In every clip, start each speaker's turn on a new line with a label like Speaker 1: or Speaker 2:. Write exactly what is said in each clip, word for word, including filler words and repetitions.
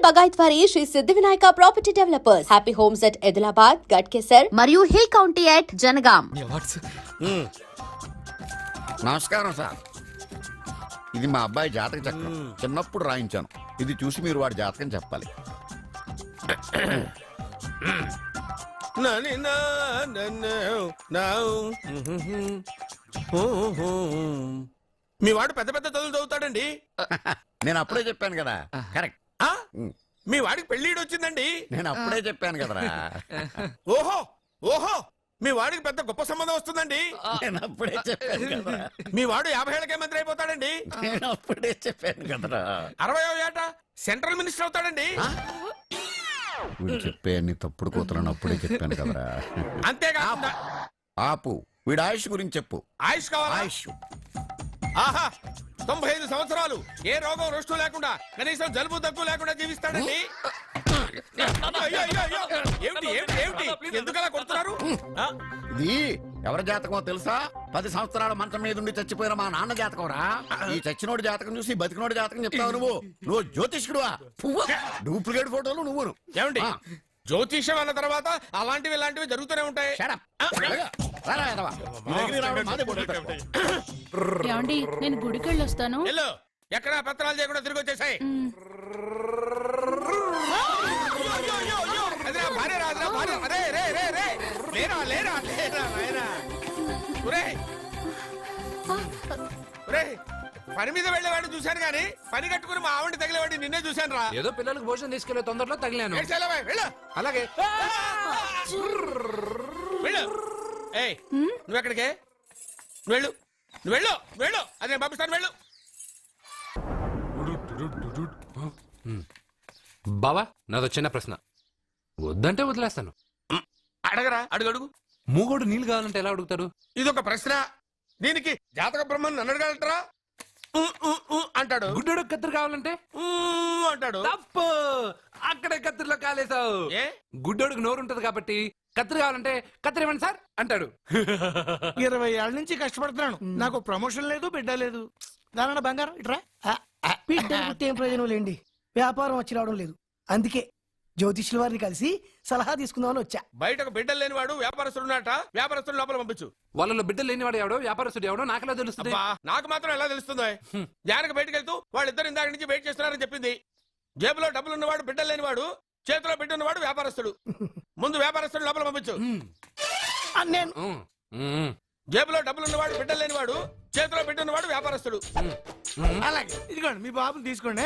Speaker 1: పగాయత్వారి Shri Siddhi Vinayaka property developers. Happy homes at Edilabad, Ghatkesar మరియు hill county at Jangaon.
Speaker 2: నమస్కారం sir. ఇది మా అబ్బాయి జాతక చక్రం. చిన్నప్పుడు రాయించాను. ఇది చూసి మీరు వాడి జాతకం చెప్పాలి.
Speaker 3: మీ వాడు పెద్ద పెద్ద చదువులు చదువుతాడండి.
Speaker 2: నేను అప్పుడే చెప్పాను కదా. కరెక్ట్.
Speaker 3: మీ వాడికి పెళ్లిడు వచ్చిందండి.
Speaker 2: నేను అప్పుడే చెప్పాను కదరా.
Speaker 3: ఓహో ఓహో మీ వాడికి పెద్ద గొప్ప సంబంధం వస్తుందండి.
Speaker 2: నేను అప్పుడే చెప్పాను కదరా.
Speaker 3: మీ వాడు యాభై ఏళ్ళకే మంత్రి అయిపోతాడండి.
Speaker 2: నేను అప్పుడే చెప్పాను కదరా.
Speaker 3: అరవై ఏట సెంట్రల్ మినిస్టర్ అవుతాడండి.
Speaker 2: వీడు చెప్పే అన్ని తప్పుడు కూతురని అప్పుడే చెప్పాను కదరా.
Speaker 3: అంతేకాకుండా
Speaker 2: ఆపు. వీడు ఆయుష్ గురించి చెప్పు.
Speaker 3: ఆయుష్ కావాలా?
Speaker 2: ఆయుష్
Speaker 3: ఆహా తొంభై ఐదు సంవత్సరాలు ఏ రోగం రుష్టు లేకుండా కనీసం జలుబు దగ్గు లేకుండా జీవిస్తాడండి. అయ్యో, అయ్యో, అయ్యో. ఏమిటి ఏమిటి ఏమిటి ఎందుకలా కొడుతున్నారు?
Speaker 2: ఇది ఎవరి జాతకమో తెలుసా? పది సంవత్సరాల మంచం మీద ఉండి చచ్చిపోయిన మా నాన్న జాతకం రా. ఈ చచ్చినోడి జాతకం చూసి బతికినోడి జాతకం చెప్తావు నువ్వు. నువ్వు జ్యోతిష్కుడువా? డూప్లికేట్ ఫోటోలు నువ్వు.
Speaker 3: ఏమండి జ్యోతిష్యం అన్న తర్వాత అలాంటివి ఇలాంటివి జరుగుతూనే ఉంటాయి.
Speaker 4: ఏమండి నేను గుడికి వెళ్ళొస్తాను.
Speaker 3: ఎక్కడ పత్రాలు చేయకుండా తిరిగి వచ్చేసాయి. పని మీద వెళ్ళేవాడిని చూశాను గానీ పని కట్టుకుని మా ఆవిడ తగిలేవాడిని నిన్నే చూశాను రా.
Speaker 5: ఏదో పిల్లలకు భోజనం తీసుకెళ్లే తొందరలో తగిలాను.
Speaker 3: అలాగే వెళ్ళు. ఏయ్ నువ్వెక్కడికే? నువ్వు వెళ్ళు నువ్వు వెళ్ళు వెళ్ళు అదే పంపిస్తాను. వెళ్ళు.
Speaker 5: బావా నాదో చిన్న ప్రశ్న. వద్దంటే వదిలేస్తాను.
Speaker 3: అడగరా అడుగు అడుగు.
Speaker 5: మూగోడు నీళ్ళు కావాలంటే ఎలా అడుగుతాడు?
Speaker 3: ఇదొక ప్రశ్న. దీనికి జాతక బ్రహ్మను నన్ను అడగలటరా? అంటాడు.
Speaker 5: గుడ్డోడు కత్తిరి కావాలంటే
Speaker 3: అంటాడు.
Speaker 5: తప్పు. అక్కడే కత్తిరిలో కాలేసావు.
Speaker 3: ఏ
Speaker 5: గుడ్డోడికి నోరు ఉంటది కాబట్టి కత్తిరి కావాలంటే కత్తిరి ఇవ్వండి సార్ అంటాడు.
Speaker 6: ఇరవై ఏళ్ళ నుంచి కష్టపడుతున్నాను. నాకు ప్రమోషన్ లేదు, బిడ్డ లేదు. దానన్న బంగారం ఇట్రా. బిడ్డ ఏం ప్రయోజనం లేండి. వ్యాపారం వచ్చి రావడం లేదు. అందుకే జ్యోతిష్యుల వారిని కలిసి సలహా తీసుకుందామని వచ్చా.
Speaker 3: బయటకు బిడ్డలు లేనివాడు వ్యాపారస్తుడు ఉన్నట. వ్యాపారస్తుడు లోపల పంపించు.
Speaker 5: వాళ్ళలో బిడ్డలు లేనివాడు ఎవడో వ్యాపారస్తుడు ఎవడో నాకెలా తెలుస్తుంది?
Speaker 3: నాకు మాత్రం ఎలా తెలుస్తుందో? జానకి బయటకు వెళ్తూ వాళ్ళిద్దరు ఇందాక నుంచి వెయిట్ చేస్తున్నారని చెప్పింది. జేబులో డబ్బులు ఉన్నవాడు బిడ్డలు లేనివాడు, చేతిలో బిడ్డ ఉన్నవాడు వ్యాపారస్తుడు. ముందు వ్యాపారస్తుడు లోపల పంపించు.
Speaker 6: నేను
Speaker 3: జేబులో డబ్బులు ఉన్నవాడు బిడ్డలు లేనివాడు, చేతిలో బిడ్డ ఉన్నవాడు వ్యాపారస్తుడు.
Speaker 6: అలాగే ఇదిగోండి మీ బాబుని తీసుకోండి.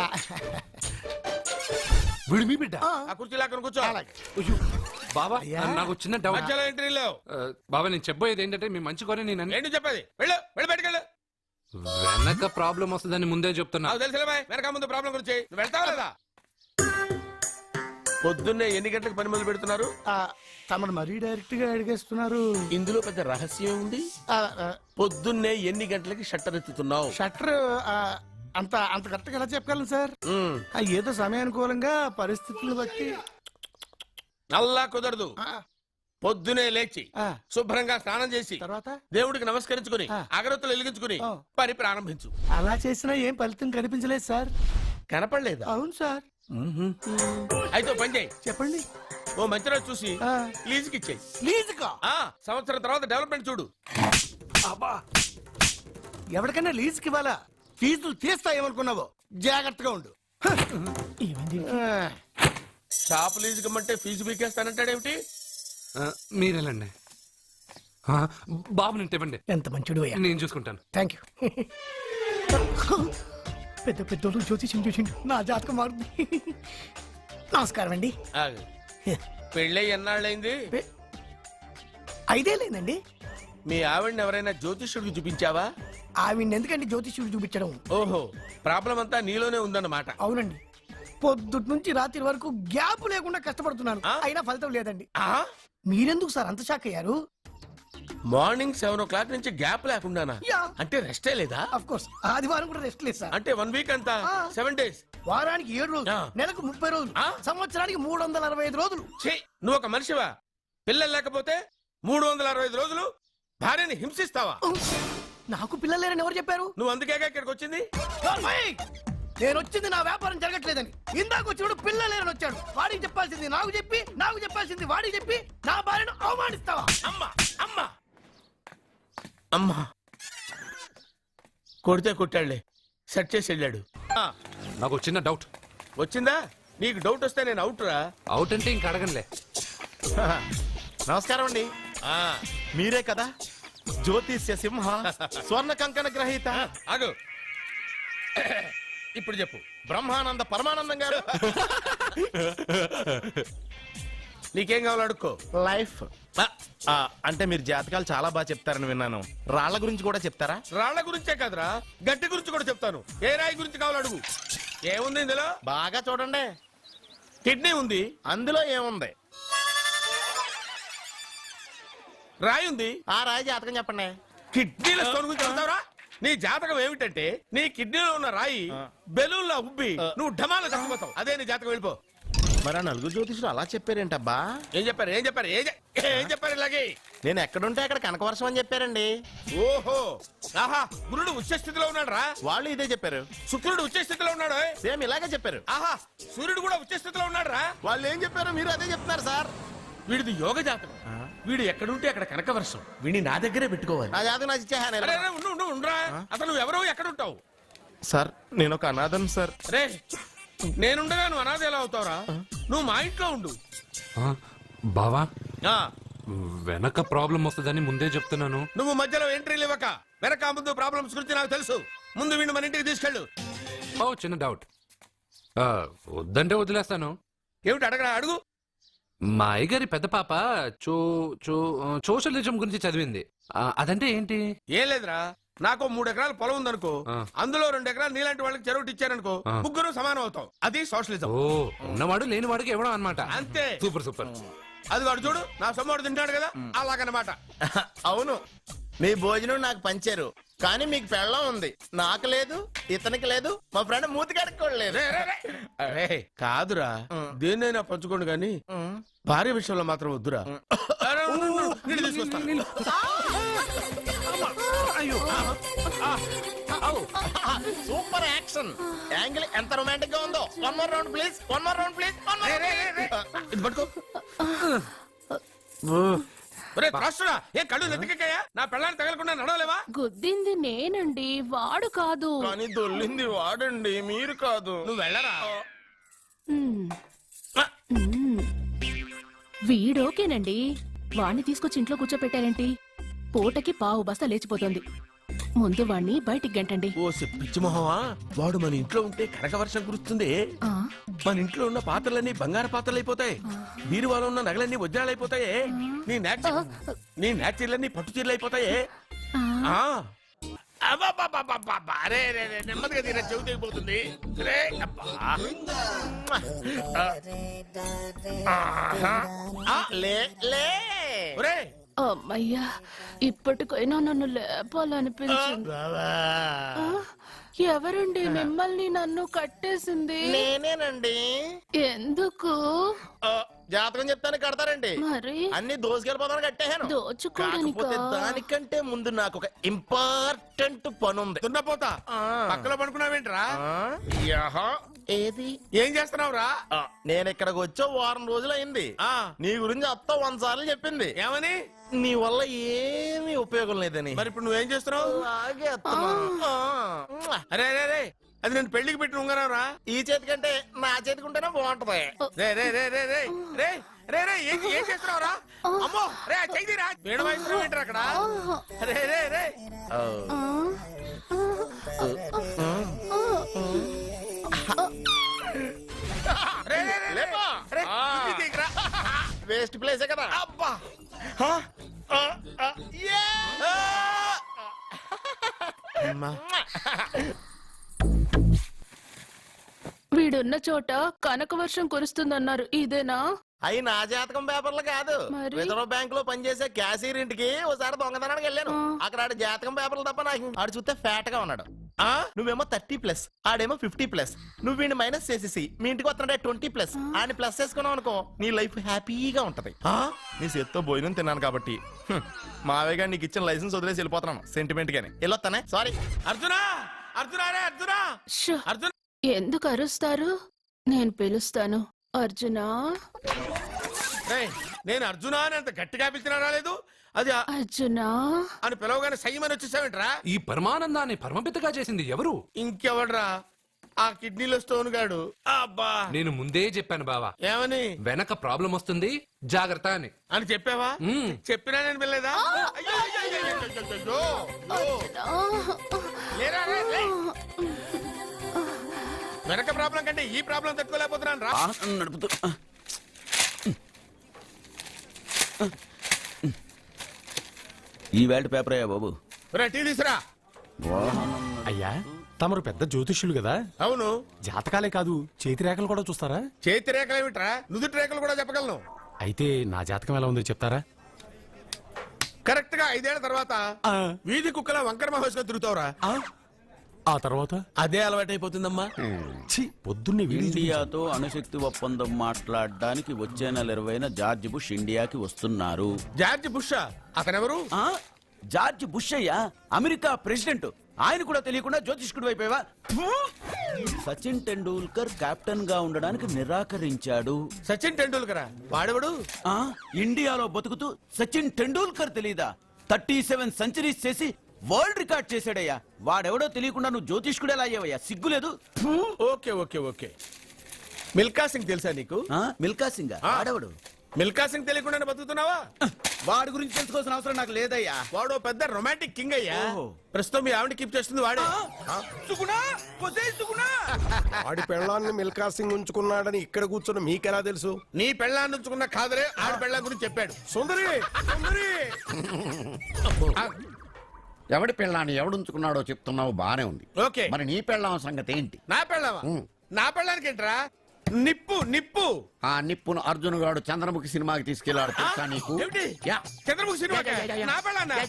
Speaker 5: వీడు మీ బిడ్డ?
Speaker 3: ఆ కుర్చీ లాక్కను కూర్చో.
Speaker 5: బాబా నాకు చిన్న డౌట్.
Speaker 3: మధ్యలో ఎంట్రీ లేవు.
Speaker 5: బాబా నేను చెప్పబోయేది ఏంటంటే మీ మంచి కోరే నేను
Speaker 3: ఏంటి చెప్పేది? వెళ్ళు వెళ్ళి బయటకు వెళ్ళు.
Speaker 5: వెనక ప్రాబ్లం వస్తుందని ముందే చెప్తున్నా.
Speaker 3: నాకు తెలుసులే బాయ్. వెనక ముందు ప్రాబ్లం గురించి నువ్వు వెళ్తావా లేదా? పొద్దున్నే ఎన్ని గంటలకు పని మొదలు పెడుతున్నారు?
Speaker 6: తమను మరీ డైరెక్ట్ గా అడిగేస్తున్నారు.
Speaker 3: ఇందులో పెద్ద రహస్యం ఉంది. పొద్దున్నే ఎన్ని గంటలకి షట్టర్ ఎత్తుతున్నావు?
Speaker 6: షట్టర్ అంత అంత కరెక్ట్ గా ఎలా చెప్పగలను సార్? ఏదో సమయానుకూలంగా పరిస్థితులను బట్టి.
Speaker 3: నల్లా కుదరదు. పొద్దునే లేచి శుభ్రంగా స్నానం చేసి
Speaker 6: తర్వాత
Speaker 3: దేవుడికి నమస్కరించుకుని అగరత్తులు వెలిగించుకుని పని ప్రారంభించు.
Speaker 6: అలా చేసినా ఏం ఫలితం కనిపించలేదు సార్.
Speaker 3: కనపడలేదా?
Speaker 6: అవును సార్.
Speaker 3: అయితే పని చేయి.
Speaker 6: చెప్పండి.
Speaker 3: ఓ మంచి రోజు చూసి లీజుకి ఇచ్చేయి.
Speaker 6: లీజుకా?
Speaker 3: సంవత్సరం తర్వాత డెవలప్మెంట్ చూడు.
Speaker 6: ఎవరికైనా లీజుకి ఇవ్వాలా? ఫీజులు తీస్తాయేమనుకున్నావో? జాగ్రత్తగా ఉండు.
Speaker 3: షాప్ లీజుకి ఇమ్మంటే ఫీజు పీకేస్తానంటాడేమిటి?
Speaker 5: మీరేలండి బాబు. నేను ఇవ్వండి.
Speaker 6: ఎంత మంచిడు.
Speaker 5: నేను చూసుకుంటాను.
Speaker 6: Thank you. పెద్ద పెద్దోళ్ళు జ్యోతిష్యం చూసిండు. నా జాతకం మారుంది. నమస్కారం అండి.
Speaker 3: పెళ్ళై ఎన్నాళ్ళైంది?
Speaker 6: ఐదే లేదండి.
Speaker 3: మీ ఆవిడని ఎవరైనా జ్యోతిష్యుడికి చూపించావా?
Speaker 6: ఆవిడ ఎందుకండి జ్యోతిష్యుడు చూపించడం?
Speaker 3: ఓహో ప్రాబ్లం అంతా నీలోనే ఉందన్నమాట.
Speaker 6: అవునండి. పొద్దుటి నుంచి రాత్రి వరకు గ్యాప్ లేకుండా కష్టపడుతున్నాను. అయినా ఫలితం లేదండి. మీరెందుకు సార్ అంత షాక్ అయ్యారు?
Speaker 3: మార్నింగ్ సెవెన్ ఓ క్లాక్ నుంచి గ్యాప్ లేకుండానా? అంటే రెస్టే లేదా?
Speaker 6: ఆఫ్ కోర్స్ ఆదివారం కూడా రెస్ట్ లేదు సార్.
Speaker 3: అంటే వన్ వీక్ అంతా సెవెన్ డేస్.
Speaker 6: వారానికి ఏడు రోజులు, నెలకు ముప్పై రోజులు, సంవత్సరానికి మూడు వందల అరవై ఐదు రోజులు.
Speaker 3: నువ్వు ఒక మనిషివా? పిల్లలు లేకపోతే మూడు వందల అరవై ఐదు రోజులు భార్యని హింసిస్తావా?
Speaker 6: నాకు పిల్లలు లేరని ఎవరు చెప్పారు?
Speaker 3: నువ్వు అందుకేగా ఇక్కడికి వచ్చింది.
Speaker 6: నేను వచ్చింది నా వ్యాపారం జరగట్లేదని. ఇందాక వచ్చినప్పుడు పిల్ల లేరని వచ్చాడు. వాడికి చెప్పాల్సింది నాకు చెప్పి, నాకు చెప్పాల్సింది వాడికి చెప్పి నా భార్యను అవమానిస్తావా?
Speaker 3: అమ్మా అమ్మా అమ్మా కొడితే కొట్టాడులే, సెట్ చేసి వెళ్ళాడు. ఆ,
Speaker 5: నాకు చిన్న డౌట్.
Speaker 3: వచ్చిందా? నీకు డౌట్ వస్తే నేను అవుట్ రా.
Speaker 5: అవుట్ అంటే ఇంక అడగనులే.
Speaker 7: నమస్కారం అండి.
Speaker 3: ఆ,
Speaker 7: మీరే కదా జ్యోతిష్య సింహ స్వర్ణ కంకణ గ్రహీత
Speaker 3: ఆగు. ఇప్పుడు చెప్పు.
Speaker 7: బ్రహ్మానంద పరమానందం గారు.
Speaker 3: నీకేం కావాలో అడుక్కో.
Speaker 7: లైఫ్ ఆ, అంటే మీరు జాతకాలు చాలా బాగా చెప్తారని విన్నాను. రాళ్ల గురించి కూడా చెప్తారా?
Speaker 3: రాళ్ల గురించే కాదురా, గట్టి గురించి కూడా చెప్తాను. ఏ రాయి గురించి కావాలో అడుగు. ఏముంది ఇందులో?
Speaker 7: బాగా చూడండి.
Speaker 3: కిడ్నీ ఉంది.
Speaker 7: అందులో ఏముంది?
Speaker 3: రాయి ఉంది.
Speaker 7: ఆ రాయి జాతకం చెప్పండి.
Speaker 3: కిడ్నీల స్టోన్ గురించి చెప్తావురా? నీ జాతకం ఏమిటంటే నీ కిడ్నీలో ఉన్న రాయి బెలూన్లా ఉబ్బి నువ్వు ఢమాలో చచ్చిపోతావు. అదే నీ జాతకం. వెళ్ళిపో.
Speaker 7: మరి ఆ నలుగురు జ్యోతిషులు అలా చెప్పారేంటబ్బా?
Speaker 3: ఏం చెప్పారు? ఏం చెప్పారు? ఏం చె- ఏం చెప్పారు ఇలాగే?
Speaker 7: నేను ఎక్కడుంటే అక్కడ కనకవర్షం అని చెప్పారండి.
Speaker 3: ఓహో, ఆహా, గురుడు ఉచ్చ స్థితిలో ఉన్నాడు రా.
Speaker 7: వాళ్ళు ఇదే చెప్పారు.
Speaker 3: శుక్రుడు ఉచ్చ స్థితిలో ఉన్నాడు.
Speaker 7: సేమ్ ఇలాగే చెప్పారు.
Speaker 3: ఆహా, సూర్యుడు కూడా ఉచ్చ స్థితిలో ఉన్నాడు రా.
Speaker 7: వాళ్ళు ఏం చెప్పారు మీరు అదే చెప్తున్నారు సార్.
Speaker 3: వీడిది యోగ జాతకం. వీడు ఎక్కడుంటే అక్కడ కనకవర్షం. వీడిని నా దగ్గరే పెట్టుకోవాలి.
Speaker 7: నా జాతకం నాకు ఇచ్చేహాను.
Speaker 3: అరే, అరే, ఉండు, ఉండు, ఉండురా. అసలు నువ్వు ఎవరో ఎక్కడ ఉంటావు?
Speaker 7: సార్ నేను ఒక అనాథం సార్.
Speaker 3: రే, నేనుండగా నువ్వు అనాథ ఎలా అవుతావురా? నువ్వు మా ఇంట్లో ఉండు.
Speaker 5: ఆ, బావా
Speaker 3: ఆ,
Speaker 5: వెనక ప్రాబ్లం వస్తుందని ముందే చెప్తున్నాను.
Speaker 3: నువ్వు మధ్యలో ఎంట్రీలు ఇవ్వక. వెనక ముందు ప్రాబ్లమ్స్ గురించి నాకు తెలుసు. ముందు వీడిని మన ఇంటికి తీసుకెళ్ళు.
Speaker 5: ఓ చిన్న డౌట్. ఆ, వద్దంటే వదిలేస్తాను.
Speaker 3: ఏమిటి అడగరా? అడుగు.
Speaker 5: మా అయ్యగారి పెద్ద పాప చో చో సోషలిజం గురించి చదివింది. ఆ, అదంటే ఏంటి?
Speaker 3: ఏం లేదురా, నాకు మూడు ఎకరాల పొలం ఉందనుకో,
Speaker 5: ఆ.
Speaker 3: అందులో రెండు ఎకరాలు నీలాంటి వాళ్ళకి చెరువు ఇచ్చారనుకో,
Speaker 5: ఆ.
Speaker 3: ముగ్గురు సమానం అవుతాం. అది సోషలిజం.
Speaker 5: ఓ ఉన్నవాడు లేనివాడికి ఇవ్వడం అనమాట.
Speaker 3: అంతే.
Speaker 5: Super super.
Speaker 3: అది వాడు చూడు, నా సొమ్మడు తింటాడు కదా, అలాగనమాట.
Speaker 7: అవును, మీ భోజనం నాకు పంచారు, కానీ మీకు పెళ్ళం ఉంది, నాకు లేదు, ఇతనికి లేదు, మా ఫ్రెండ్ మూతి కడుక్కోలేదు.
Speaker 3: రే, రే, రే. అరే, కాదురా, దేన్నైనా పంచుకోండి కానీ భార్య విషయంలో మాత్రం వద్దురా. అరే, ఉండు, ఉండు, నీళ్ళు తీసుకొస్తా.
Speaker 7: సూపర్ యాక్షన్ యాంగిల్ ఎంత రొమాంటిక్ గా ఉందో. One more round please, one more round please.
Speaker 3: రే, రే, రే, రే. ఇది పట్టుకో. ఒరే త్రాసుడా, ఏ కళ్ళు నెత్తికెక్కాయా? నా పెళ్ళాన్ని తగలకుండా నడవలేవా?
Speaker 4: గుద్దింది నేనండి, వాడు కాదు.
Speaker 7: కానీ దొల్లింది వాడండి, మీరు కాదు.
Speaker 3: నువ్వు వెళ్ళరా.
Speaker 4: మ్మ్. మ్మ్. వీడోకేనండి. వాణ్ణి తీసుకొచ్చి ఇంట్లో కూర్చోపెట్టారేంటి? పూటకి పావు బస్తా లేచిపోతుంది. ముందు వాణ్ణి బయటికి గంటండి.
Speaker 3: ఓ పిచ్చి మొహమా, వాడు మన ఇంట్లో ఉంటే కనకవర్షం కురుస్తుంది.
Speaker 4: ఆ,
Speaker 3: మన ఇంట్లో ఉన్న పాత్రలన్నీ బంగారు పాత్రలు అయిపోతాయి. బీరువాలో ఉన్న నగలన్నీ వజ్రాలు అయిపోతాయి. నీ నాచి నీ నాచీర్లన్నీ పట్టు చీరలు అయిపోతాయి.
Speaker 4: ఆ.
Speaker 3: ఆ. అబ్బబ్బబ్బబ్బబ్బ. అరే, రే, రే, నెమ్మదిగా తీరా, చెవి తెగిపోతుంది. రే, అబ్బా.
Speaker 7: ఆ, లే లే
Speaker 3: ఒరే,
Speaker 4: అమ్మయ్యా, ఇప్పటికైనా నన్ను లేపాలనిపించింది. ఆ, ఎవరండి మిమ్మల్ని నన్ను కట్టేసింది?
Speaker 7: నేనేనండి.
Speaker 4: ఎందుకు?
Speaker 7: ఆ, జాతకం చెప్తాను కడతారండి.
Speaker 4: మరి
Speaker 7: అన్ని దోసుకెళ్ళిపోతాను కట్టేహాను.
Speaker 4: దోచుకోడానికా?
Speaker 7: కాకపోతే దానికంటే ముందు నాకు ఒక ఇంపార్టెంట్ పని ఉంది.
Speaker 3: దున్నపోతా,
Speaker 7: ఆ.
Speaker 3: పక్కలో పడుకున్నావేంట్రా?
Speaker 7: ఆ, యహ, ఏది?
Speaker 3: ఏం చేస్తున్నావురా?
Speaker 7: ఆ, నేను ఇక్కడికి వచ్చే వారం రోజులు అయింది.
Speaker 3: ఆ,
Speaker 7: నీ గురించి అత్త వంద సార్లు చెప్పింది.
Speaker 3: ఏమని?
Speaker 7: నీ వల్ల ఏమీ ఉపయోగం లేదని.
Speaker 3: మరి ఇప్పుడు నువ్వేం చేస్తున్నావు?
Speaker 7: అలాగే అత్తమాను. ఆ.
Speaker 3: అరే, అరే, రే, అది నేను పెళ్లికి పెట్టిన ఉంగరం రా.
Speaker 7: ఈ చేతి కంటే నా చేతికి ఉంటేనే బాగుంటది.
Speaker 3: రే, రే, రే, రే, రే, రే, రే, రే, ఏం ఏం చేస్తున్నావు రా? అమ్మో, రే, చెయ్యిరా. వీణ వాయిస్తున్నావు ఏంట్రా అక్కడ? రే, రే, రే.
Speaker 7: ఓ.
Speaker 4: ఆ,
Speaker 3: రే, రే, రే, రే.
Speaker 7: లేపా.
Speaker 3: రే,
Speaker 7: ఆ.
Speaker 3: ఇది తీయకురా.
Speaker 7: వేస్ట్ ప్లేసే కదా.
Speaker 3: అబ్బా.
Speaker 7: ఆ, ఆ, యే.
Speaker 3: ఆ.
Speaker 7: అమ్మా.
Speaker 4: వీడున్న చోట కనక వర్షం కురుస్తుందన్నారు, ఇదేనా?
Speaker 7: అయి నా జాతకం పేపర్లు కాదు.
Speaker 4: మరి?
Speaker 7: రిజర్వ్ బ్యాంక్ లో పనిచేసే క్యాషియర్ ఇంటికి ఒకసారి దొంగతనానికి వెళ్ళాను.
Speaker 4: ఆ.
Speaker 7: అక్కడ ఆడి జాతకం పేపర్లు తప్ప నాకు ఆడు చూస్తే ఫ్యాట్ గా ఉన్నాడు. ఆ నువ్వేమో థర్టీ ప్లస్, ఆడేమో ఫిఫ్టీ ప్లస్. నువ్వు వీడిని మైనస్ చేసేసి మీ ఇంటికి వస్తున్నాడే ట్వంటీ ప్లస్, ఆయన ప్లస్ చేసుకున్నావు అనుకో, నీ లైఫ్ హ్యాపీగా ఉంటది. ఆ నీ చేత్తో భోజనం తిన్నాను కాబట్టి హ్మ్, మావేగా నీకు ఇచ్చిన లైసెన్స్ వదిలేసి వెళ్ళిపోతున్నాను సెంటిమెంట్ గాని. వెళ్ళొస్తానే, సారీ.
Speaker 3: అర్జునా, అర్జునా, రే, అర్జునా,
Speaker 4: షో,
Speaker 3: అర్జున్.
Speaker 4: ఎందుకు అరుస్తారు? నేను పిలుస్తాను. అర్జునా,
Speaker 3: ఏయ్, నేను అర్జున అని అంత గట్టిగా పిలిచినా రాలేదు. అది ఆ-
Speaker 4: అర్జునా.
Speaker 3: అని పిలవగానే సైమని వచ్చేసావేంట్రా?
Speaker 5: ఈ పరమానందాన్ని పరమపితగా చేసింది ఎవరు?
Speaker 3: ఇంకెవడ్రా? ఆ కిడ్నీలో స్టోన్ గాడు. అబ్బా,
Speaker 5: నేను ముందే చెప్పాను బావా,
Speaker 3: ఏమని
Speaker 5: వెనక ప్రాబ్లం వస్తుంది జాగ్రత్త అని.
Speaker 3: అని చెప్పావా?
Speaker 5: మ్మ్.
Speaker 3: చెప్పినా నేను వెళ్ళలేదా? అయ్యో, అయ్యో, అయ్యో, అయ్యో, అయ్యో, అయ్యో, అయ్యో. లేరా, లే, లే. వెనక ప్రాబ్లం కంటే ఈ ప్రాబ్లం తట్టుకోలేకపోతున్నాను రా.
Speaker 2: వాహనం నడుపుతూ ఈ వేల్ట్ పేపర్ అయ్యా బాబు.
Speaker 3: రా, టీ తీసురా.
Speaker 8: అయ్యా తమరు పెద్ద జ్యోతిష్యులు కదా,
Speaker 3: అవును.
Speaker 8: జాతకాలే కాదు చేతి రేఖలు కూడా చూస్తారా?
Speaker 3: చేతి రేఖలు ఏమిట్రా, నుదుటి రేఖలు కూడా చెప్పగలను.
Speaker 8: అయితే నా జాతకం ఎలా ఉందో చెప్తారా?
Speaker 3: కరెక్ట్ గా ఐదేళ్ల తర్వాత వీధి కుక్కల వంకర మహోత్సవం తిరుగుతావురా.
Speaker 8: ఆ తర్వాత
Speaker 3: అదే అలవాటైపోతుందమ్మా.
Speaker 8: ఛీ, పొద్దున్నే వీడియో చూపించాను.
Speaker 9: ఇండియాతో అణుశక్తి ఒప్పందం మాట్లాడడానికి వచ్చే నెల ఇరవైన జార్జ్ బుష్ ఇండియాకి వస్తున్నారు.
Speaker 3: జార్జ్ బుష్ అతనెవరు?
Speaker 9: ఆ? జార్జ్ బుష్ అయ్యా, అమెరికా ప్రెసిడెంట్. ఆయన కూడా తెలియకుండా జ్యోతిష్కుడు వైపోయావా? సచిన్ టెండూల్కర్ కెప్టెన్ గా ఉండడానికి నిరాకరించాడు.
Speaker 3: సచిన్ టెండూల్కర్ వాడెవడు?
Speaker 9: ఆ ఇండియాలో బతుకుతూ సచిన్ టెండూల్కర్ తెలీదా? థర్టీ సెవెన్ సెంచరీస్ చేసి వరల్డ్ రికార్డ్ చేశాడయ్యా. వాడెవడో తెలియకుండా నువ్వు జ్యోతిష్కుడు ఎలా అయ్యావయ్యా? సిగ్గులేదు.
Speaker 3: Okay okay okay. Milkha Singh తెలుసా నీకు?
Speaker 9: ఆ, మిల్కా సింగ్
Speaker 3: ఆ.
Speaker 9: వాడెవడు?
Speaker 3: మిల్కా సింగ్ తెలియకుండా బతుకుతున్నావా?
Speaker 9: వాడి గురించి తెలుసుకోవాల్సిన అవసరం నాకు లేదయ్యా.
Speaker 3: వాడు పెద్ద రొమాంటిక్ కింగ్ అయ్యా.
Speaker 9: ఓహో.
Speaker 3: ప్రస్తుతం మీ ఆవిడ కీప్ చేస్తుంది వాడే.
Speaker 9: సుగుణా, పొసేయ్ సుగుణా.
Speaker 10: వాడి పెళ్ళాన్ని మిల్కా సింగ్ ఉంచుకున్నాడని ఇక్కడ కూర్చొని మీకెలా తెలుసు?
Speaker 3: నీ పెళ్ళాన్ని ఉంచుకున్న కాదరే ఆడి పెళ్ళాం గురించి చెప్పాడు.
Speaker 10: సుందరి సుందరి
Speaker 2: ఎవడి పెళ్ళాన్ని ఎవడుంచుకున్నాడో చెప్తున్నావు బానే ఉంది.
Speaker 3: ఓకే.
Speaker 2: మరి నీ పెళ్ళాం సంగతి ఏంటి?
Speaker 3: నా పెళ్ళావా? నా పెళ్ళానికి ఏంట్రా? నిప్పు నిప్పు.
Speaker 2: ఆ నిప్పును అర్జున్ గాడు చంద్రముఖి సినిమాకి తీసుకెళ్లాడు తెలుసా నీకు?
Speaker 3: ఏమిటి?
Speaker 2: యా.
Speaker 3: చంద్రముఖి సినిమా నా పెళ్ళాన్న